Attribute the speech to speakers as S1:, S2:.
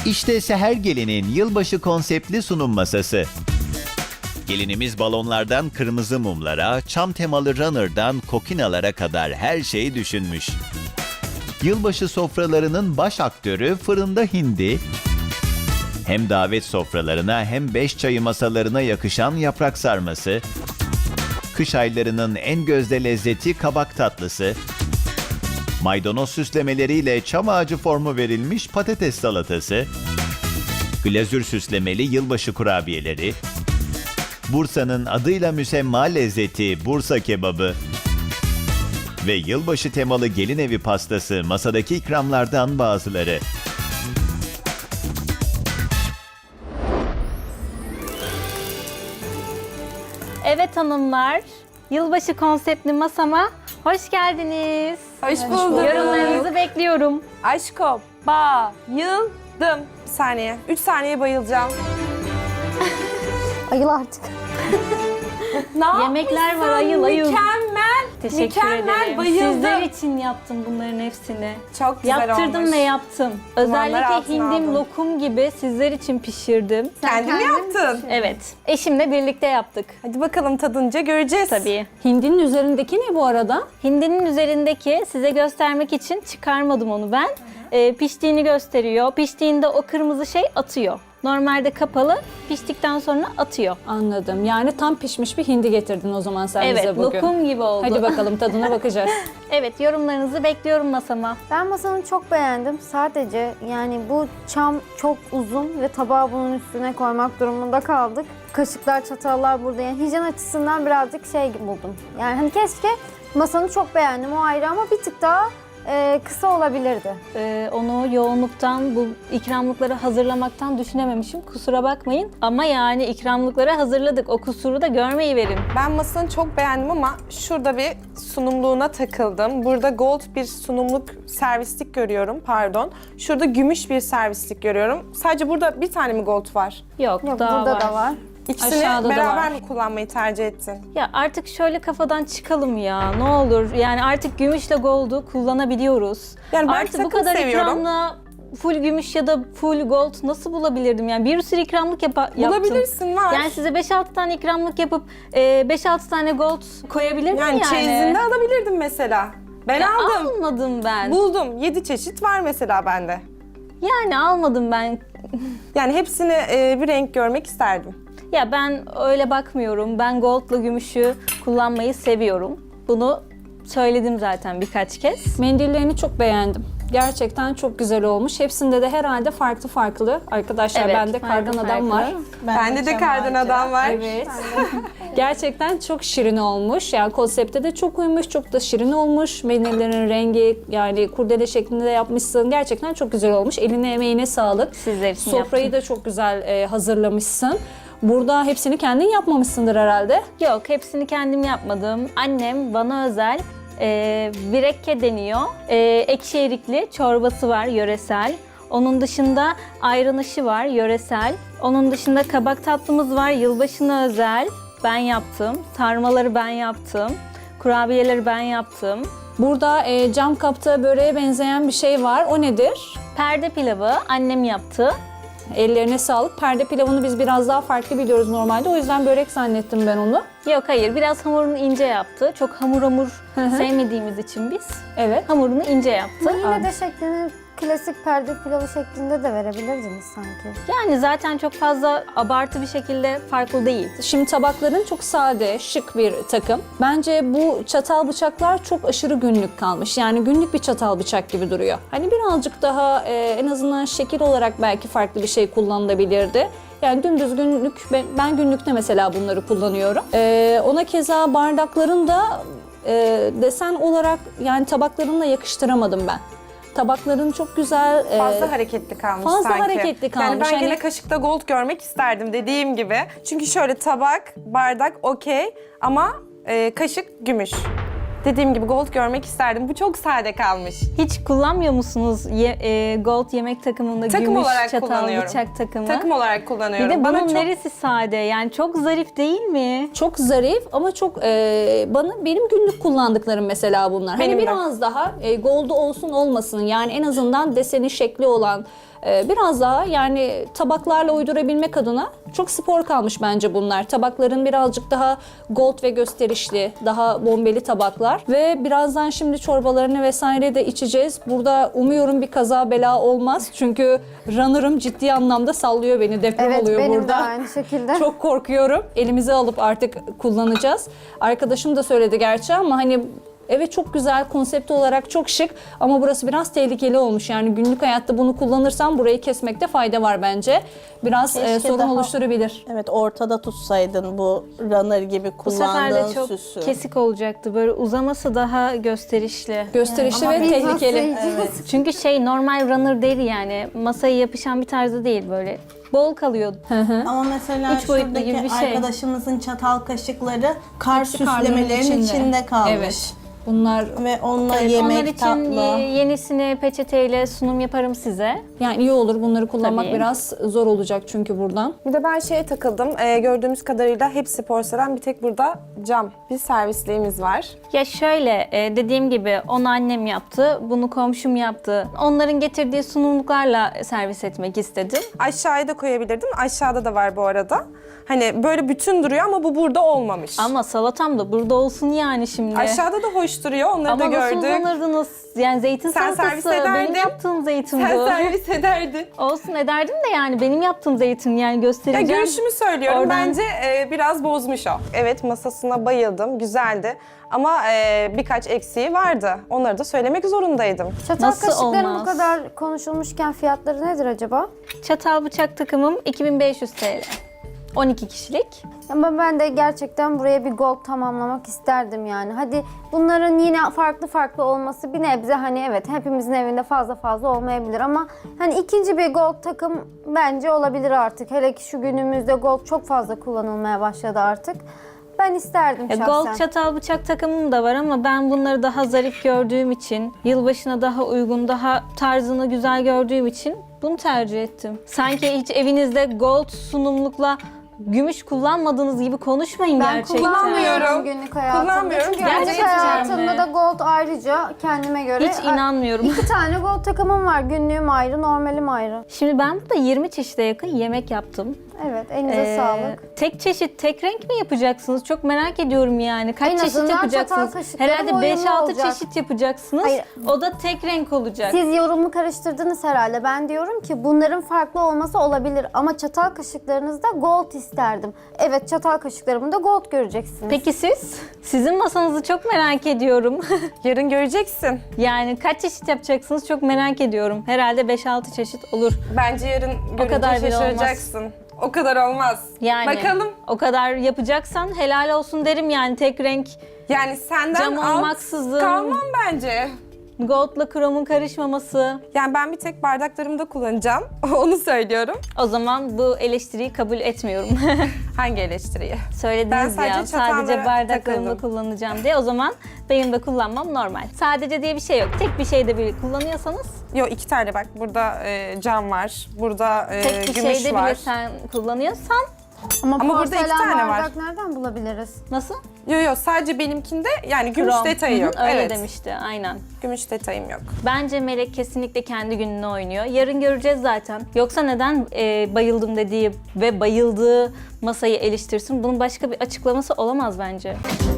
S1: İşte Seher Gelin'in yılbaşı konseptli sunum masası. Gelinimiz balonlardan kırmızı mumlara, çam temalı runner'dan kokinalara kadar her şeyi düşünmüş. Yılbaşı sofralarının baş aktörü fırında hindi, hem davet sofralarına hem beş çayı masalarına yakışan yaprak sarması, kış aylarının en gözde lezzeti kabak tatlısı, maydanoz süslemeleriyle çam ağacı formu verilmiş patates salatası, glazür süslemeli yılbaşı kurabiyeleri, Bursa'nın adıyla müsemma lezzeti Bursa kebabı ve yılbaşı temalı gelin evi pastası masadaki ikramlardan bazıları.
S2: Evet hanımlar, yılbaşı konseptli masama hoş geldiniz.
S3: Hoş bulduk.
S2: Yorumlarınızı bekliyorum.
S3: Aşko, bayıldım. Bir saniye. 3 saniye bayılacağım.
S4: Ayıl artık.
S3: Ne
S2: Yemekler var,
S3: yapmışsın?
S2: ayıl.
S3: Mükemmel.
S2: Teşekkür
S3: Mükemmel,
S2: ederim.
S3: bayıldım.
S2: Sizler için yaptım bunların hepsini.
S3: Çok güzel
S2: Yaptırdım
S3: olmuş.
S2: ve yaptım.
S3: Dumanlar
S2: Özellikle
S3: altına
S2: hindim
S3: aldın.
S2: lokum gibi sizler için pişirdim.
S3: Kendin mi yaptın?
S2: Evet, eşimle birlikte yaptık.
S3: Hadi bakalım tadınca göreceğiz.
S2: Tabii.
S5: Hindinin üzerindeki ne bu arada?
S2: Hindinin üzerindeki size göstermek için çıkarmadım onu ben. Piştiğini gösteriyor. Piştiğinde o kırmızı şey atıyor. Normalde kapalı, piştikten sonra atıyor.
S5: Anladım. Yani tam pişmiş bir hindi getirdin o zaman sen
S2: Evet,
S5: bize bugün.
S2: lokum gibi oldu.
S5: Hadi bakalım tadına bakacağız.
S2: Evet, yorumlarınızı bekliyorum masama.
S4: Ben masanı çok beğendim. Sadece yani bu çam çok uzun ve tabağı bunun üstüne koymak durumunda kaldık. Kaşıklar, çatallar burada. Yani hijyen açısından birazcık şey buldum. Yani hani keşke masanı çok beğendim o ayrı ama bir tık daha kısa olabilirdi.
S2: Onu yoğunluktan, bu ikramlıkları hazırlamaktan düşünememişim. Kusura bakmayın. Ama yani ikramlıkları hazırladık. O kusuru da görmeyi verin.
S3: Ben masanı çok beğendim ama şurada bir sunumluğuna takıldım. Burada gold bir sunumluk servislik görüyorum, pardon. Şurada gümüş bir servislik görüyorum. Sadece burada bir tane mi gold var?
S2: Yok,
S4: Yok
S2: daha
S4: burada
S2: var.
S4: da var.
S3: İkisini
S5: Aşağıda da
S3: beraber
S5: var.
S3: mi kullanmayı tercih ettin?
S2: Ya artık şöyle kafadan çıkalım ya. Ne olur. Yani artık gümüşle gold'u kullanabiliyoruz.
S3: Yani ben
S2: artık bu
S3: takım
S2: kadar
S3: seviyorum.
S2: ikramla full gümüş ya da full gold nasıl bulabilirdim? Yani bir sürü ikramlık yaptım.
S3: Bulabilirsin, var.
S2: Yani size 5-6 tane ikramlık yapıp 5-6 tane gold koyabilirdim yani.
S3: Yani çeyizinde alabilirdim mesela. Ben
S2: Ya
S3: aldım.
S2: almadım ben.
S3: Buldum. 7 çeşit var mesela bende.
S2: Yani almadım ben.
S3: Yani hepsini bir renk görmek isterdim.
S2: Ya ben öyle bakmıyorum. Ben gold'la gümüşü kullanmayı seviyorum. Bunu söyledim zaten birkaç kez.
S5: Mendillerini çok beğendim. Gerçekten çok güzel olmuş. Hepsinde de herhalde farklı farklı. Arkadaşlar
S2: Evet,
S5: bende kardan
S2: farklı
S5: adam var.
S2: farklı.
S3: Bende de kardan adam var.
S5: Evet. Gerçekten çok şirin olmuş. Yani konsepte de çok uymuş, çok da şirin olmuş. Mendillerin rengi yani kurdele şeklinde de yapmışsın. Gerçekten çok güzel olmuş. Eline emeğine sağlık.
S2: Sizler için
S5: Sofrayı
S2: yaptım.
S5: da çok güzel hazırlamışsın. Burada hepsini kendin yapmamışsındır herhalde.
S2: Yok, hepsini kendim yapmadım. Annem bana özel virekke deniyor. Ekşi erikli çorbası var, yöresel. Onun dışında ayran aşı var, yöresel. Onun dışında kabak tatlımız var, yılbaşına özel. Ben yaptım. Sarmaları ben yaptım. Kurabiyeleri ben yaptım.
S5: Burada cam kapta böreğe benzeyen bir şey var. O nedir?
S2: Perde pilavı annem yaptı.
S5: Ellerine sağlık. Perde pilavını biz biraz daha farklı biliyoruz normalde. O yüzden börek zannettim ben onu.
S2: Yok hayır, biraz hamurunu ince yaptı. Çok hamur
S5: hı.
S2: sevmediğimiz için biz
S5: Evet.
S2: hamurunu ince yaptı.
S4: Yine de şeklini klasik perde pilavı şeklinde de verebilirdiniz sanki.
S2: Yani zaten çok fazla abartı bir şekilde farklı değil.
S5: Şimdi tabakların çok sade, şık bir takım. Bence bu çatal bıçaklar çok aşırı günlük kalmış. Yani günlük bir çatal bıçak gibi duruyor. Hani birazcık daha en azından şekil olarak belki farklı bir şey kullanılabilirdi. Yani dümdüz günlük, ben günlükte mesela bunları kullanıyorum. Ona keza bardakların da desen olarak yani tabaklarımla yakıştıramadım ben. Tabakların çok güzel.
S3: Fazla hareketli kalmış
S5: fazla
S3: sanki.
S5: hareketli kalmış.
S3: Yani ben
S5: Hani-
S3: gene kaşıkta gold görmek isterdim dediğim gibi. Çünkü şöyle tabak, bardak okey ama kaşık gümüş. Dediğim gibi gold görmek isterdim. Bu çok sade kalmış.
S2: Hiç kullanmıyor musunuz gold yemek takımında
S3: Takım
S2: gümüş
S3: olarak
S2: çatal
S3: kullanıyorum.
S2: bıçak takımı?
S3: Takım olarak
S2: Bir
S3: kullanıyorum.
S2: de
S3: Bana
S2: bunun
S3: çok
S2: neresi sade? Yani çok zarif değil mi?
S5: Çok zarif ama çok benim günlük kullandıklarım mesela bunlar.
S3: Benim
S5: hani
S3: de.
S5: biraz daha gold'u olsun olmasın yani en azından deseni şekli olan Biraz daha yani tabaklarla uydurabilmek adına çok spor kalmış bence bunlar. Tabakların birazcık daha gold ve gösterişli, daha bombeli tabaklar ve birazdan şimdi çorbalarını vesaire de içeceğiz. Burada umuyorum bir kaza bela olmaz çünkü runner'ım ciddi anlamda sallıyor beni, deprem
S4: Evet,
S5: oluyor
S4: benim
S5: burada.
S4: de aynı şekilde.
S5: Çok korkuyorum. Elimize alıp artık kullanacağız. Arkadaşım da söyledi gerçi ama hani evet çok güzel, konsept olarak çok şık ama burası biraz tehlikeli olmuş. Yani günlük hayatta bunu kullanırsam burayı kesmekte fayda var bence. Biraz
S6: Keşke
S5: sorun
S6: daha-
S5: oluşturabilir.
S6: Evet, ortada tutsaydın bu runner gibi
S2: Bu sefer de
S6: kullandığın
S2: çok
S6: süsü.
S2: kesik olacaktı. Böyle uzaması daha gösterişli.
S5: Gösterişli ve
S4: Biz nasıl
S5: tehlikeli.
S4: yiyeceğiz?
S2: Çünkü normal runner değil yani. Masaya yapışan bir tarzı değil böyle. Bol kalıyor.
S6: Ama mesela
S2: Üç boyutlu
S6: şuradaki
S2: gibi bir şey.
S6: arkadaşımızın çatal kaşıkları kar
S5: Hepsi karnının
S6: süslemelerin içinde kalmış.
S5: Evet. Bunlar
S6: Ve onunla
S2: Evet,
S6: yemek
S2: onlar için
S6: tatlı.
S2: yenisini peçeteyle sunum yaparım size.
S5: yani iyi olur, bunları kullanmak
S2: Tabii.
S5: biraz zor olacak çünkü buradan.
S3: Bir de ben şeye takıldım. Gördüğümüz kadarıyla hepsi porselen, bir tek burada cam bir servisliğimiz var.
S2: Ya şöyle dediğim gibi onu annem yaptı, bunu komşum yaptı. Onların getirdiği sunumluklarla servis etmek istedim.
S3: Aşağıya da koyabilirdim. Aşağıda da var bu arada. Hani böyle bütün duruyor ama bu burada olmamış.
S2: Ama salatam da burada olsun yani şimdi.
S3: Aşağıda da hoş duruyor. Onları da
S2: Ama nasıl
S3: gördük.
S2: uzanırdınız? Yani zeytin
S3: Sen
S2: salatası.
S3: servis ederdin.
S2: Benim yaptığım zeytin
S3: Sen
S2: bu.
S3: servis ederdin.
S2: Olsun ederdim de yani benim yaptığım zeytin yani
S3: Ya
S2: göstereceğim.
S3: görüşümü söylüyorum.
S2: Oradan-
S3: Bence biraz bozmuş o. Evet, masasına bayıldım. Güzeldi. Ama birkaç eksiği vardı. Onları da söylemek zorundaydım.
S4: Çatal
S2: Nasıl
S4: kaşıkların
S2: olmaz?
S4: bu kadar konuşulmuşken fiyatları nedir acaba?
S2: Çatal bıçak takımım 2500 TL. 12 kişilik.
S4: Ama ben de gerçekten buraya bir gold tamamlamak isterdim yani. Hadi bunların yine farklı farklı olması bir nebze hani evet hepimizin evinde fazla fazla olmayabilir ama hani ikinci bir gold takım bence olabilir artık. Hele ki şu günümüzde gold çok fazla kullanılmaya başladı artık. Ben isterdim şahsen.
S2: Gold çatal bıçak takımım da var ama ben bunları daha zarif gördüğüm için, yılbaşına daha uygun, daha tarzını güzel gördüğüm için bunu tercih ettim. Sanki hiç evinizde gold sunumlukla gümüş kullanmadığınız gibi konuşmayın
S4: Ben
S2: gerçekten.
S3: Kullanmıyorum.
S4: günlük hayatımda.
S3: Kullanmıyorum.
S4: Çünkü günlük
S2: Gerçekten
S4: hayatımda
S2: mi?
S4: da gold ayrıca kendime göre.
S2: Hiç inanmıyorum.
S4: 2 tane gold takımım var. Günlüğüm ayrı, normalim ayrı.
S2: Şimdi ben burada 20 çeşide yakın yemek yaptım.
S4: Evet, elinize sağlık.
S2: Tek çeşit, tek renk mi yapacaksınız? Çok merak ediyorum yani. Kaç
S4: En
S2: çeşit
S4: azından
S2: yapacaksınız?
S4: çatal kaşıklarım
S2: Herhalde
S4: uyumlu
S2: 5-6
S4: olacak.
S2: çeşit yapacaksınız.
S4: Hayır.
S2: O da tek renk olacak.
S4: Siz yorumu karıştırdınız herhalde. Ben diyorum ki bunların farklı olması olabilir ama çatal kaşıklarınızda gold isterdim. Evet, çatal kaşıklarımda gold göreceksiniz.
S2: Peki siz? Sizin masanızı çok merak ediyorum.
S3: Yarın göreceksin.
S2: Yani kaç çeşit yapacaksınız çok merak ediyorum. Herhalde 5-6 çeşit olur.
S3: Bence yarın görünce
S2: kadar bile
S3: şaşıracaksın. O kadar olmaz.
S2: Yani
S3: Bakalım.
S2: o kadar yapacaksan helal olsun derim yani tek renk
S3: Yani senden
S2: cam
S3: alt
S2: olmaksızın
S3: kalmam bence.
S2: goldla kromun karışmaması.
S3: Yani ben bir tek bardaklarımda kullanacağım. Onu söylüyorum.
S2: O zaman bu eleştiriyi kabul etmiyorum.
S3: Hangi eleştiriyi?
S2: Söylediniz
S3: Ben
S2: ya
S3: sadece
S2: sadece
S3: çatallara
S2: bardaklarımda
S3: takıldım.
S2: kullanacağım diye. O zaman benim de kullanmam normal. Sadece diye bir şey yok. Tek bir şeyde bile kullanıyorsanız
S3: Yok, 2 tane bak. Burada cam var. Burada
S2: tek bir
S3: gümüş
S2: şeyde
S3: var.
S2: bile sen kullanıyorsan
S4: Ama
S3: burada iki
S4: porselen
S3: tane var.
S4: bardak nereden bulabiliriz?
S2: nasıl?
S3: Yok sadece benimkinde yani gümüş
S2: Krom.
S3: detayı
S2: Hı hı,
S3: yok.
S2: Öyle
S3: Evet.
S2: demişti aynen.
S3: Gümüş detayım yok.
S2: Bence Melek kesinlikle kendi gününü oynuyor. Yarın göreceğiz zaten. Yoksa neden bayıldım dediği ve bayıldığı masayı eleştirsin? Bunun başka bir açıklaması olamaz bence.